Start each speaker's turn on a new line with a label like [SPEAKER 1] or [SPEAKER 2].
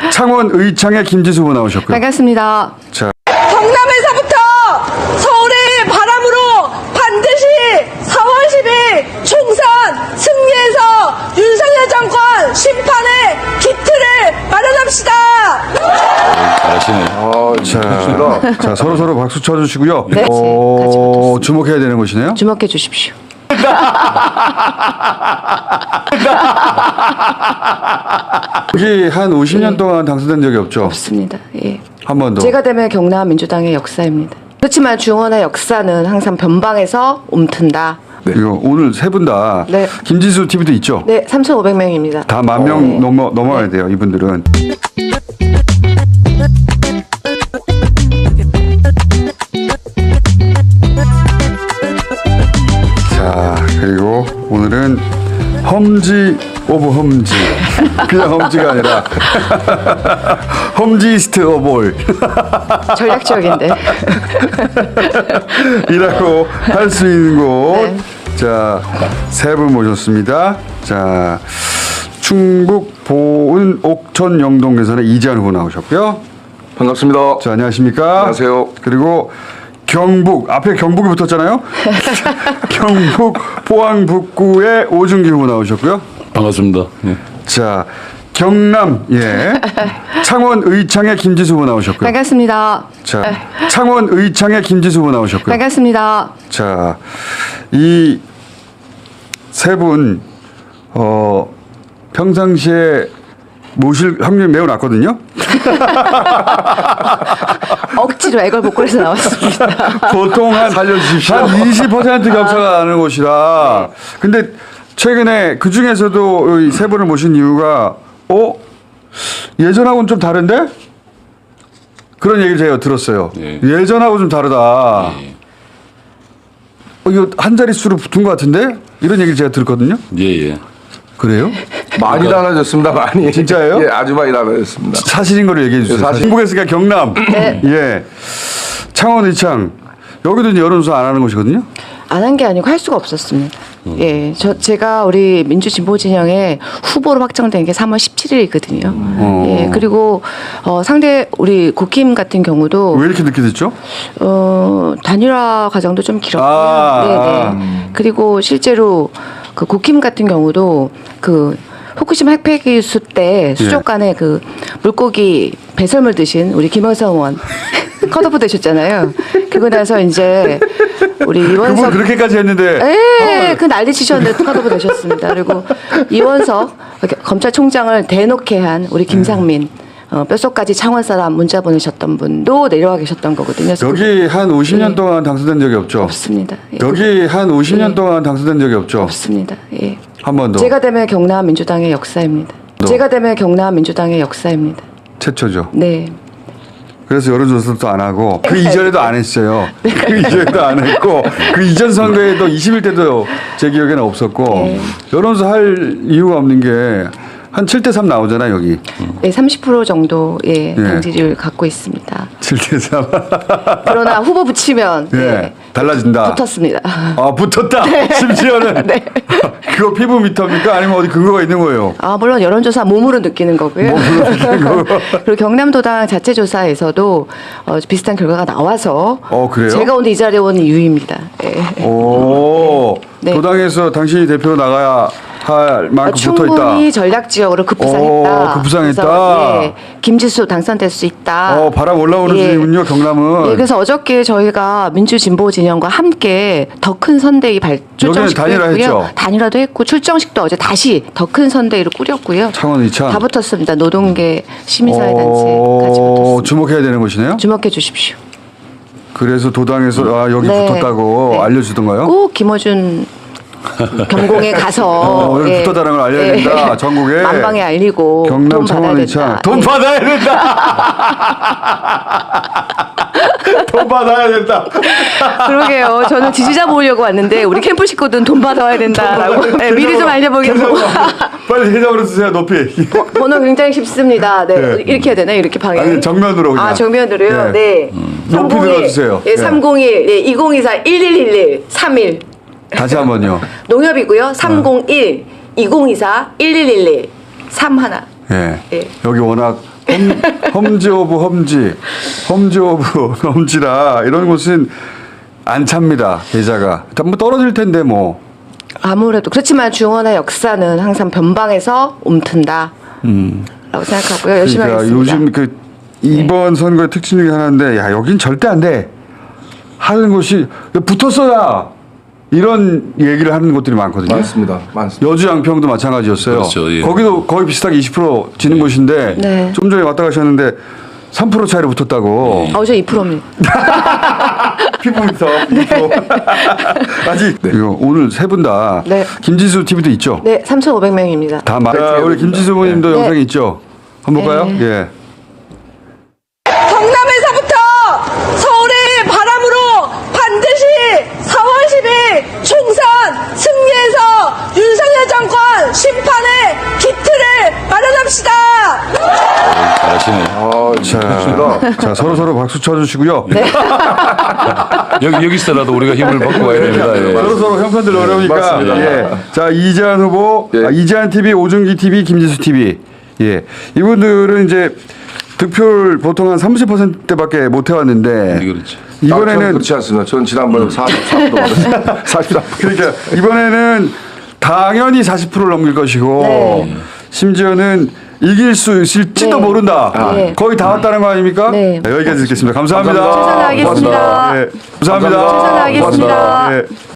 [SPEAKER 1] 창원 의창의 김지수 후보 나오셨고요.
[SPEAKER 2] 반갑습니다.
[SPEAKER 1] 자,
[SPEAKER 3] 경남에서부터 서울의 바람으로 반드시 4월 10일 총선 승리해서 윤석열 정권 심판의 기틀을 마련합시다.
[SPEAKER 1] 자, 서로 박수 쳐주시고요.
[SPEAKER 2] 네. 같이 붙었습니다.
[SPEAKER 1] 주목해야 되는 것이네요.
[SPEAKER 2] 주목해 주십시오.
[SPEAKER 1] 여기 한 50년 동안 당선된 적이 없죠?
[SPEAKER 2] 없습니다. 예.
[SPEAKER 1] 한 번도.
[SPEAKER 2] 제가 되면 경남 민주당의 역사입니다. 그렇지만 중원의 역사는 항상 변방에서 움튼다.
[SPEAKER 1] 이거 오늘 세 분 다
[SPEAKER 2] 네.
[SPEAKER 1] 김지수 TV도 있죠?
[SPEAKER 2] 네, 3,500명입니다.
[SPEAKER 1] 다 10,000명 넘어야 돼요, 이분들은. 자, 그리고 오늘은 험지 오브 험지. 그냥 험지가 아니라 험지스트 오브 올.
[SPEAKER 2] 전략적인데.
[SPEAKER 1] 이라고 할 수 있는 곳.
[SPEAKER 2] 네.
[SPEAKER 1] 자, 세 분 모셨습니다. 자, 충북 보은 옥천 영동 대선의 이재한 후보 나오셨고요.
[SPEAKER 4] 반갑습니다.
[SPEAKER 1] 자, 안녕하십니까?
[SPEAKER 4] 안녕하세요.
[SPEAKER 1] 그리고 경북 앞에 경북이 붙었잖아요. 경북 포항 북구의 오준기 후보 나오셨고요.
[SPEAKER 5] 반갑습니다. 예.
[SPEAKER 1] 자, 경남 창원 의창의 김지수 후보 나오셨고요.
[SPEAKER 2] 반갑습니다.
[SPEAKER 1] 자, 창원 의창의 김지수 후보 나오셨고요.
[SPEAKER 2] 반갑습니다.
[SPEAKER 1] 자, 이 세 분 평상시에 모실 확률이 매우 낮거든요.
[SPEAKER 2] 억지로 애걸복걸해서 나왔습니다.
[SPEAKER 1] 보통 한
[SPEAKER 4] 살려주십시오.
[SPEAKER 1] 한 20% 격차가 나는 곳이라. 근데 최근에 그 중에서도 이 세 분을 모신 이유가 예전하고는 좀 다른데? 그런 얘기를 제가 들었어요.
[SPEAKER 5] 네.
[SPEAKER 1] 예전하고 좀 다르다.
[SPEAKER 5] 예.
[SPEAKER 1] 이거 한 자릿수로 붙은 것 같은데? 이런 얘기를 제가 들었거든요.
[SPEAKER 5] 예.
[SPEAKER 1] 그래요?
[SPEAKER 4] 많이 달라졌습니다. 많이.
[SPEAKER 1] 진짜예요?
[SPEAKER 4] 예, 아주 많이 달라졌습니다.
[SPEAKER 1] 사실인 거를 얘기해 주세요.
[SPEAKER 4] 사실.
[SPEAKER 1] 중국에서가 경남. 예. 창원 의창. 여기도 이제 여론조사 안 하는 곳이거든요.
[SPEAKER 2] 안 한 게 아니고 할 수가 없었습니다. 예, 제가 우리 민주진보 진영의 후보로 확정된 게 3월 17일이거든요. 예, 그리고 상대 우리 국힘 같은 경우도
[SPEAKER 1] 왜 이렇게 늦게 됐죠?
[SPEAKER 2] 단일화 과정도 좀 길었고요.
[SPEAKER 1] 아.
[SPEAKER 2] 네네. 그리고 실제로 그 국힘 같은 경우도 그 후쿠시마 핵폐기 수 때 수족관에 그 물고기 배설물 드신 우리 김영선 의원 컷오프 되셨잖아요. 그러고 나서 이제 우리
[SPEAKER 1] 그분
[SPEAKER 2] 이원석
[SPEAKER 1] 그렇게까지 했는데.
[SPEAKER 2] 예, 그 난리 치셨는데 컷오프 되셨습니다. 그리고 이원석 검찰총장을 대놓게 한 우리 김상민 뼛속까지 창원 사람 문자 보내셨던 분도 내려와 계셨던 거거든요. 그래서
[SPEAKER 1] 여기 한 50년 동안 당선된 적이 없죠?
[SPEAKER 2] 없습니다. 예.
[SPEAKER 1] 여기 한 50년 동안 당선된 적이 없죠?
[SPEAKER 2] 없습니다. 예.
[SPEAKER 1] 한 번도.
[SPEAKER 2] 제가 되면 경남 민주당의 역사입니다. 제가 되면 경남 민주당의 역사입니다.
[SPEAKER 1] 최초죠.
[SPEAKER 2] 네.
[SPEAKER 1] 그래서 여론조사도 안 하고 그 이전에도 안 했어요. 그 이전에도 안 했고 그 이전 선거에도 21대도 제 기억에는 없었고
[SPEAKER 2] 네.
[SPEAKER 1] 여론조사 할 이유가 없는 게 한 7대3 나오잖아요, 여기.
[SPEAKER 2] 네, 30% 정도의 당지를 갖고 있습니다.
[SPEAKER 1] 7대3.
[SPEAKER 2] 그러나 후보 붙이면
[SPEAKER 1] 예.
[SPEAKER 2] 네,
[SPEAKER 1] 달라진다.
[SPEAKER 2] 붙었습니다.
[SPEAKER 1] 아, 붙었다. 심지어는.
[SPEAKER 2] 네.
[SPEAKER 1] 그거 피부 미터입니까? 아니면 어디 근거가 있는 거예요?
[SPEAKER 2] 아, 물론 여론조사 몸으로 느끼는 거고요. 그리고 경남도당 자체조사에서도 비슷한 결과가 나와서
[SPEAKER 1] 그래요?
[SPEAKER 2] 제가 오늘 이 자리에 온 이유입니다. 예.
[SPEAKER 1] 오.
[SPEAKER 2] 네.
[SPEAKER 1] 도당에서 당신이 대표로 나가야 할 만큼 붙어 있다.
[SPEAKER 2] 충분히 전략 지역으로 급부상했다.
[SPEAKER 1] 급부상했다.
[SPEAKER 2] 그래서, 예, 김지수 당선될 수 있다.
[SPEAKER 1] 바람 올라오는 중이군요, 경남은.
[SPEAKER 2] 예, 그래서 어저께 저희가 민주진보 진영과 함께 더 큰 선대위 출정식도
[SPEAKER 1] 단일화
[SPEAKER 2] 했고요.
[SPEAKER 1] 했죠?
[SPEAKER 2] 단일화도 했고 출정식도 어제 다시 더 큰 선대위를 꾸렸고요.
[SPEAKER 1] 창원 의창.
[SPEAKER 2] 다 붙었습니다. 노동계 시민사회단체까지 붙었습니다.
[SPEAKER 1] 주목해야 되는 것이네요.
[SPEAKER 2] 주목해 주십시오.
[SPEAKER 1] 그래서 도당에서 여기
[SPEAKER 2] 네.
[SPEAKER 1] 붙었다고
[SPEAKER 2] 네.
[SPEAKER 1] 알려주던가요?
[SPEAKER 2] 꼭 김어준 경공에 가서
[SPEAKER 1] 여기 붙었다는 걸 알려야 된다. 전국에.
[SPEAKER 2] 만방에 알리고
[SPEAKER 1] 경남
[SPEAKER 2] 돈 받아야
[SPEAKER 1] 창원 의창.
[SPEAKER 2] 된다.
[SPEAKER 1] 돈
[SPEAKER 2] 예.
[SPEAKER 1] 받아야 된다. 돈 받아야 된다.
[SPEAKER 2] 그러게요. 저는 지지자 모으려고 왔는데 우리 캠프 식구들은 돈 받아야 된다라고. 네, 미리 좀 알려보겠고.
[SPEAKER 1] 빨리 계좌번호 주세요. 높이.
[SPEAKER 2] 번호 굉장히 쉽습니다. 네.
[SPEAKER 1] 네.
[SPEAKER 2] 이렇게 해야 되나요? 이렇게 방향.
[SPEAKER 1] 아니 정면으로 그냥.
[SPEAKER 2] 아, 정면으로요?
[SPEAKER 1] 네.
[SPEAKER 2] 네.
[SPEAKER 1] 높이
[SPEAKER 2] 301,
[SPEAKER 1] 들어주세요.
[SPEAKER 2] 예,
[SPEAKER 1] 네.
[SPEAKER 2] 301, 예, 2024, 1111, 31.
[SPEAKER 1] 다시 한번요.
[SPEAKER 2] 농협이고요. 301, 2024, 1111, 31.
[SPEAKER 1] 예.
[SPEAKER 2] 예.
[SPEAKER 1] 여기 워낙 험지 오브 험지, 험지 오브 험지라 이런 곳은 안 찹니다. 계좌가. 뭐 떨어질 텐데 뭐.
[SPEAKER 2] 아무래도 그렇지만 중원의 역사는 항상 변방에서 옴튼다. 라고 생각하고요. 열심히
[SPEAKER 1] 그러니까
[SPEAKER 2] 하겠습니다.
[SPEAKER 1] 요즘 그 이번 선거의 특징 중에 하나인데 야 여긴 절대 안 돼 하는 곳이 붙었어야 이런 얘기를 하는 곳들이 많거든요.
[SPEAKER 4] 많습니다. 많습니다.
[SPEAKER 1] 여주 양평도 마찬가지였어요.
[SPEAKER 5] 그렇죠, 예.
[SPEAKER 1] 거기도 거의 비슷하게 20% 지는 곳인데
[SPEAKER 2] 네.
[SPEAKER 1] 좀 전에 왔다 가셨는데 3% 차이로 붙었다고.
[SPEAKER 2] 저 2%입니다.
[SPEAKER 1] 피부부터 아직 이거 오늘 세 분 다
[SPEAKER 2] 네.
[SPEAKER 1] 김지수 TV도 있죠.
[SPEAKER 2] 네, 3,500명입니다.
[SPEAKER 1] 다 자, 우리 김지수 부님도
[SPEAKER 2] 네.
[SPEAKER 1] 영상이 있죠. 한번 볼까요?
[SPEAKER 2] 네.
[SPEAKER 1] 예.
[SPEAKER 3] 경남에서부터 서울의 바람으로 반드시 4월 10일 총선 승리해서 윤석열 정권 심판의 기틀을 마련합시다.
[SPEAKER 5] 잘하시네.
[SPEAKER 1] 자, 서로 박수 쳐주시고요.
[SPEAKER 2] 네.
[SPEAKER 5] 여기서라도 우리가 힘을 받고 가야 됩니다. 예.
[SPEAKER 1] 서로 형편들 어려우니까.
[SPEAKER 4] 맞습니다.
[SPEAKER 1] 예. 자, 이재한 후보,
[SPEAKER 4] 예.
[SPEAKER 1] 이재한 TV, 오준기 TV, 김지수 TV. 예. 이분들은 이제 득표를 보통 한 30%대밖에 못 해왔는데
[SPEAKER 5] 그렇죠.
[SPEAKER 4] 저는
[SPEAKER 1] 이번에는
[SPEAKER 4] 그렇지 않습니다. 전 지난번에 44% 받았습니다. 44%.
[SPEAKER 1] 그러니까 이번에는 당연히 40%를 넘길 것이고
[SPEAKER 2] 네.
[SPEAKER 1] 심지어는 이길 수 있을지도
[SPEAKER 2] 네.
[SPEAKER 1] 모른다.
[SPEAKER 2] 네.
[SPEAKER 1] 거의 다 왔다는 거 아닙니까?
[SPEAKER 2] 네.
[SPEAKER 1] 여기까지 듣겠습니다. 감사합니다.
[SPEAKER 4] 감사합니다.
[SPEAKER 2] 최선을 다하겠습니다.
[SPEAKER 1] 네. 감사합니다.
[SPEAKER 4] 감사합니다.
[SPEAKER 2] 최선을 다하겠습니다.
[SPEAKER 1] 네.